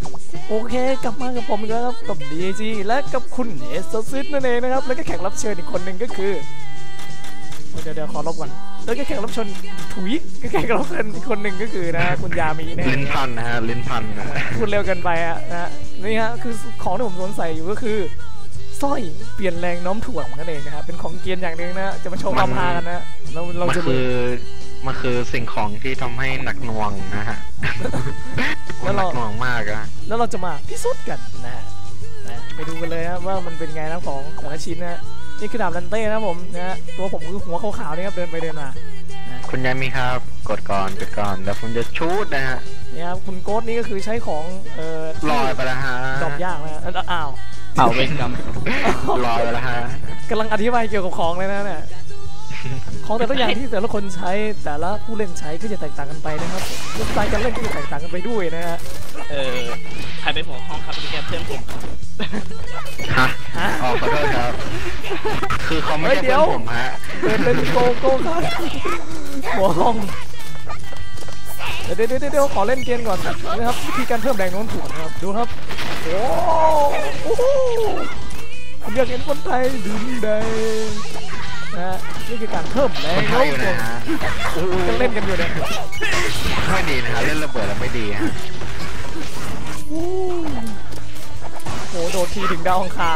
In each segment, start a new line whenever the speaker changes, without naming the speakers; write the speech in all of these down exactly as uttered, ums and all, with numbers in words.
โอเคกลับมากับผมอีกแล้วครับกับ ดี จี และกับคุณเอสซิสนั่นเองนะครับแล้วก็แขกรับเชิญอีกคนหนึ่งก็คือเดี๋ยวเดี๋ยวขอลบก่อนแล้วก็แขกรับเชิญถุยก็แขกรับเชิญอีกคนหนึ่งก็คือนะคุณยามีเนี่ย
ลิ้นพันนะฮะลิ้นพันนะ
พูดเร็วเกินไปอะนะนี่ฮะคือของที่ผมสงสัยอยู่ก็คือสร้อยเปลี่ยนแรงโน้มถ่วงนั่นเองนะครับเป็นของเกียนอย่างหนึ่งนะจะมาโชว์ความฮากันนะเราเราจะ
คือมันคือสิ่งของที่ทำให้หนักหน่วงนะฮะแล้วเราหนักหน่วงมากอะ
แล้วเราจะมาพิสูจน์กันนะฮะไปดูกันเลยนะว่ามันเป็นไงนะของแต่ละชิ้นนะนี่คือดาบลันเต้นะผมนะตัวผมคือหัวขาวๆนี่ครับเดินไปเดินมา
คุณยามีครับกดก่อนกดก่อนแล้วผมจะชูดนะฮะ
นี่ครับคุณโก๊ดนี่ก็คือใช้ของเอ่อ
ลอยไปแล้วฮะ
ดอกยากนะอ้าว
เป่าเป็นกรรม
ลอยไปแล้วฮะ
กำลังอธิบายเกี่ยวกับของเลยนะเนี่ยของแต่ละอย่างที่แต่ละคนใช้แต่ละผู้เล่นใช้ก็จะแตกต่างกันไปนะครับสไตล์การเล่นก็จะแตกต่างกันไปด้วยนะฮะ
เออใครเป็นหัวห้องครับเป็นแกเพื่อนผม
ฮะอ๋อขอโทษครับคือเขาไม่ใช่เพื่อนผมฮะ
เป็นเป็นโกโก้ครับหัวห้องเดี๋ยวเดี๋ยวเดี๋ยวขอเล่นเกมก่อนนะครับวิธีการเพิ่มแรงโน้มถ่วงนะครับดูครับโอ้โหผมอยากเห็นคนไทยดึงได้นะนี่คือการเพิ่มแรงโน้มถ่วงก็เล่นกันอยู่เนี่ย
ไม่ดีนะฮะเล่นระเบิดแล้วไม่ดีฮะ
โอ้โดดทีถึงดาวอังคาร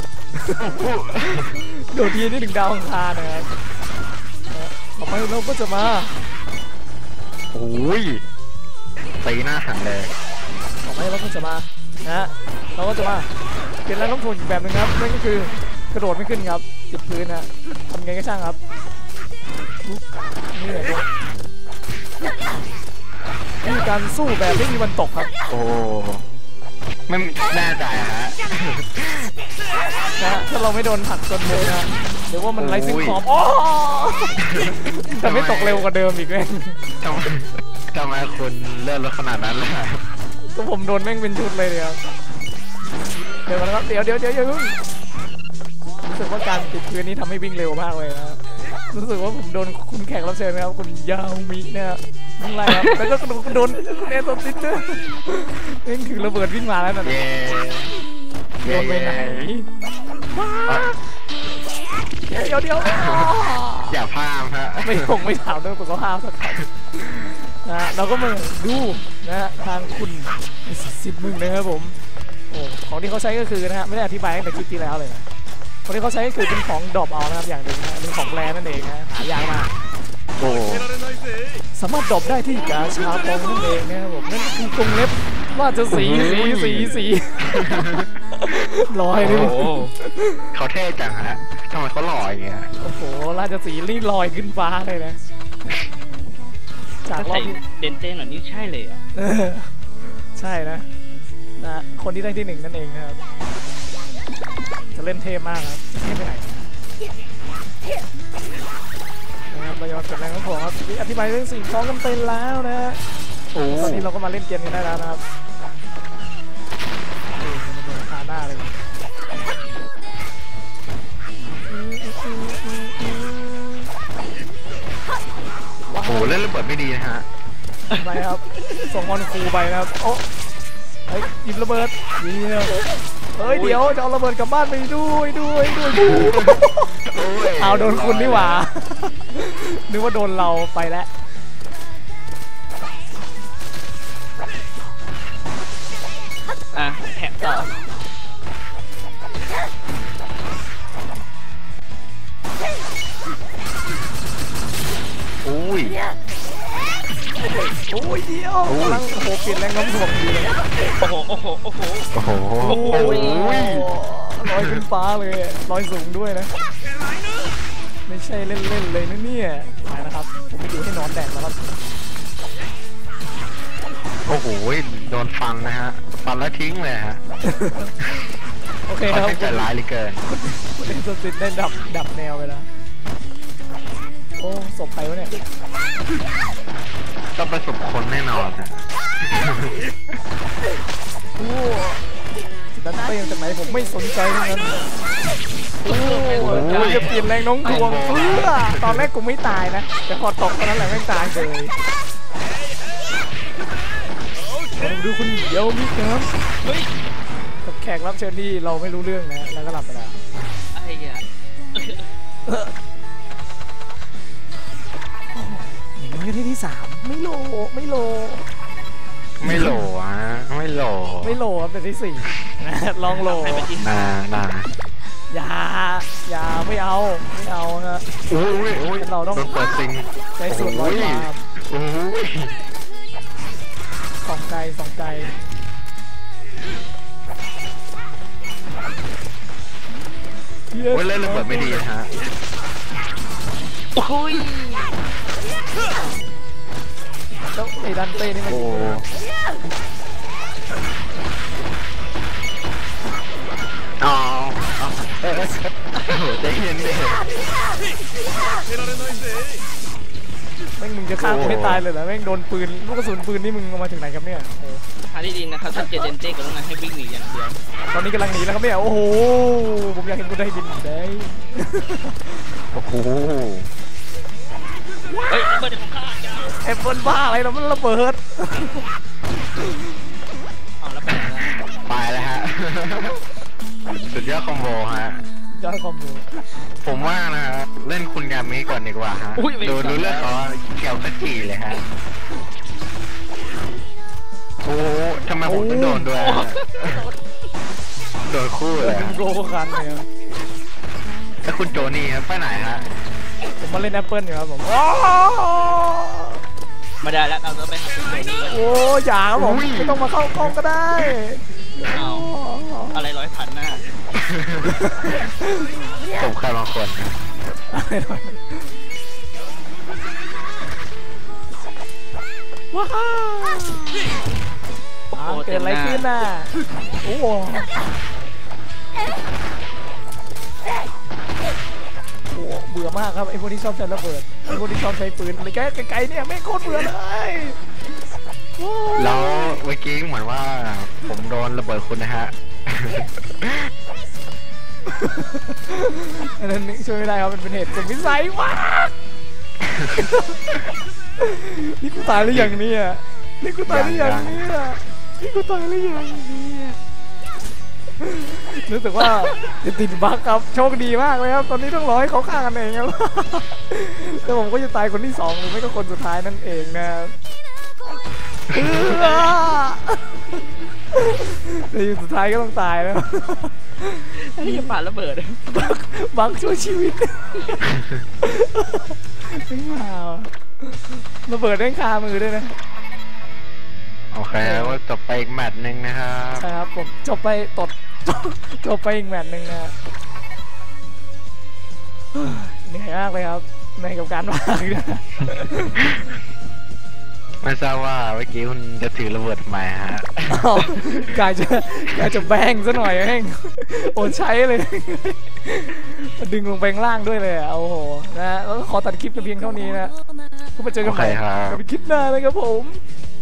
โดดทีนี่ถึงดาวอังคารนะครับต่อไปเราก็จะมา
โอ้ยตีหน้าหันเลย
ต่อไปเราก็จะมานะเราก็จะมาเปลี่ยนแรงโน้มถ่วงอีกแบบนึงครับนั่นก็คือกระโดดไม่ขึ้นครับติดพื้นนะทำไงก็ช่างครับนี่แหละนี่การสู้แบบไม่มีวันตกครับ
โอ้ไม่แน่ใจฮะ
นะถ้าเราไม่โดนหักจนเลยนะเดี๋ยวว่ามันไร้ซึ่งขอบอ๋อแต่ไม่ตกเร็วกว่าเดิมอีกเลย
ทำไมทำไมคุณเลื่อนรถขนาดนั้นล่ะ
ก็ผมโดนแม่งเป็นชุดเลยเนี่ยเดี๋ยวนะครับเดี๋ยวเดี๋ยวเดี๋ยวรู้สึกว่าการติดพื้นนี้ทำให้วิ่งเร็วมากเลยนะรู้สึกว่าผมโดนคุณแขกรับเชิญนะครับคุณยาวมิเนี่ยวิ่งไล่ครับแล้วก็โดนคุณเอสติสเตอร์นี่คือระเบิดวิ่งมาแล้วนะโดนไปไหนเดี๋ยวเดี๋ยว
อย่าพลาดฮะ
ไม่คงไม่ถามเรื่องสุขภาพสักคำนะเราก็มาดูนะทางคุณสิบมึงนะครับผมโอ้ของที่เขาใช้ก็คือนะฮะไม่ได้อธิบายตั้งแต่คลิปที่แล้วเลยนะของที่เขาใช้ก็คือเป็นของดรอปเอานะครับอย่างหนึ่งนะเป็นของแร่นั่นเองนะหายากมาก
โอ้
สามารถดรอปได้ที่กาชาปองนั่นเองนะครับผมนั่นคือกรงเล็บว่าจะสีสีสีสีลอยเลย
เขาเท่จังฮะทำไมเขาลอยอย่างเงี้ย
โอ้โหราชสีรีลอยขึ้นฟ้าเลยนะ
จากรอบเต้นเต้นหน่อยนี่ใช่เลยอ่ะ
ใช่นะนะคนที่ได้ที่หนึ่งนั่นเองนะครับจะเล่นเท่มากครับเท่ไปไหนนะครับเราจะมาเก็บแรงของผมครับอธิบายเรื่องสิ่งของกันเป็นแล้วนะตอนนี้เราก็มาเล่นเกมกันได้แล้วนะครับขาหน้าเลย
โอ้โหเล่นระเบิดไม่ดีนะฮะ
ไปครับส่งบอลครูไปนะครับโอ้เฮ้ยหยิบระเบิดเดี๋ยวเฮ้ยเดี๋ยวจะเอาระเบิดกลับบ้านไปด้วยด้วยด้วยเอาโดนคุณนี่หว่านึกว่าโดนเราไปแล้ว
อ่ะแถมต่อ
โอ้ย
โอ้ยเดียวกำลังโอ้โหเปลี่ยนแรงน้ำถ่วงดีเลย
โอ้โหโอ้โหโอ้โห
โอ้โห
ลอยขึ้นฟ้าเลยลอยสูงด้วยนะไม่ใช่เล่นๆเลยนะเนี่ยไปนะครับผมไม่อยู่ให้นอนแดดแล้วครับ
โอ้โหโดนฟันนะฮะฟันแล้วทิ้งเลยฮะ
โอเคครับ
ใจร้ายเหลือเกิน
คุณเล่นสติได้ดับดับแนวไปแล้วโอ้ศพใครวะเนี่ย
ต้องประสบคนแน่นอนนะ
โอ้ดันเต้จากไหนผมไม่สนใจทั้งนั้นโอ้ยจะเปลี่ยนแรงน้องดวงเพื่อตอนแรกกูไม่ตายนะแต่พอตกตอนนั้นแหละไม่ตายเลย ผดูคุณเดี๋ยวมิครับ
เฮ้ย
กับแขกรับเชิญที่เราไม่รู้เรื่องนะแล้วก็หลับไปแล้ว
ไอ้เหี้ย
อย่างน้อยก็ที่ที่สามไม่โลไม่โล
ไม่โหลอ่ะไม่โหล
ไม่โลครับเป็นที่สี่นะลองโล
ให้ไปที่
นานา
อย่าอย่าไม่เอาไม่เอานะ
โอ้ยโอ้ย
เราต้อง
โดนเปิดซิง
ใช้สูตรร้อยบาท
โอ้ย
สองไกลสองไกล
โอ้ยเล่นระเบิดไม่ดีนะฮะ
โอ้ย
แล้วไอ้ดันเต้นี่มัน
โอ้อ๋อเออโอ้โหใจเย็นเลย
แม่งมึงจะฆ่ากูให้ตายเลยเหรอแม่งโดนปืนลูกกระสุนปืนนี่มึงเอามาถึงไหนครับเนี่ยโอ้โห
ทางที่ดีนะครับถ้าเจอเดนเต้ก็ต้องให้วิ่งหนีอย่างเดียว
ตอนนี้กำลังหนีแล้วครับเนี่ยโอ้โหผมอยากเห็นกูได้บินได้
โอ้โห
เฮ้ยระเบิดของข้าจ้า
แอปเปิลบ้าอะไรเรามันระเบิด
เอาแล้วไปไหนล่ะ
ไปแล้วฮะ สุดยอดคอมโบฮะ
ยอดคอมโบ
ผมว่านะฮะเล่นคุณยามิก่อนดีกว่าฮะดูดูเรื่องเขาเกี่ยวกับจีเลยฮะโอ้ทำไมผมต้องโดนด้วยฮะโดนคู่เลย
เป็น
ฮะ
โกคันเนี่ย
แล้วคุณโจนี่ไปไหนฮะ
ผมมาเล่นแอปเปิลอยู่ครับผม
ไม่ได้แล้วเราต้องไปหาคุณโจนี่ก่อน
โอ้อย่าครับผมไม่ต้องมาเข้ากล้องก็ได้
เอาอะไรร้อยพันหน้า
ผมใครบางคนนะ
ว้าวเกิดอะไรขึ้นน่ะโอ้โหโอ้เบื่อมากครับไอ้พวกที่ชอบใช้ระเบิดไอ้พวกที่ชอบใช้ปืนอะไรแกไกลๆเนี่ยไม่โคตรเบื่อเลยโอ้
แล้วเมื่อกี้เหมือนว่าผมโดนระเบิดคุณนะฮะ
อันนั้นช่วยไม่ได้ครับมันเป็นเหตุสุดวิสัยมากนี่กูตายหรือยังเนี่ยนี่กูตายหรือยังเนี่ยนี่กูตายหรือยังเนี่ยรู้สึกว่าจะติดบั๊กครับโชคดีมากเลยครับตอนนี้ต้องรอให้เขาฆ่ากันเองครับแต่ผมก็จะตายคนที่สองหรือไม่ก็คนสุดท้ายนั่นเองนะในสุดท้ายก็ต้องตายแล้ว
ไอ้เหี้ยปาระเบิด
บักบักช่วยชีวิตไม่มาระเบิดได้คามือด้วยนะ
โอเคว่าจบไปอีกแมตช์หนึ่งนะครับ
ใช่ครับผมจบไปตดจบไปอีกแมตช์หนึ่งนะเหนื่อยมากเลยครับในกับการวางนะ
ไม่ทราบว่าเมื่อกี้คุณจะถือระเบิดทำไมฮะ
อ้าวกายจะกายจะแบงซะหน่อยแม่งโอนใช้เลยดึงลงไปข้างล่างด้วยเลยอ่ะโอ้โหนะแล้วก็ขอตัดคลิปกันเพียงเท่านี้นะก็มาเจอกันใหม่
โอเคครับ
กับคลิปหน้านะครับผม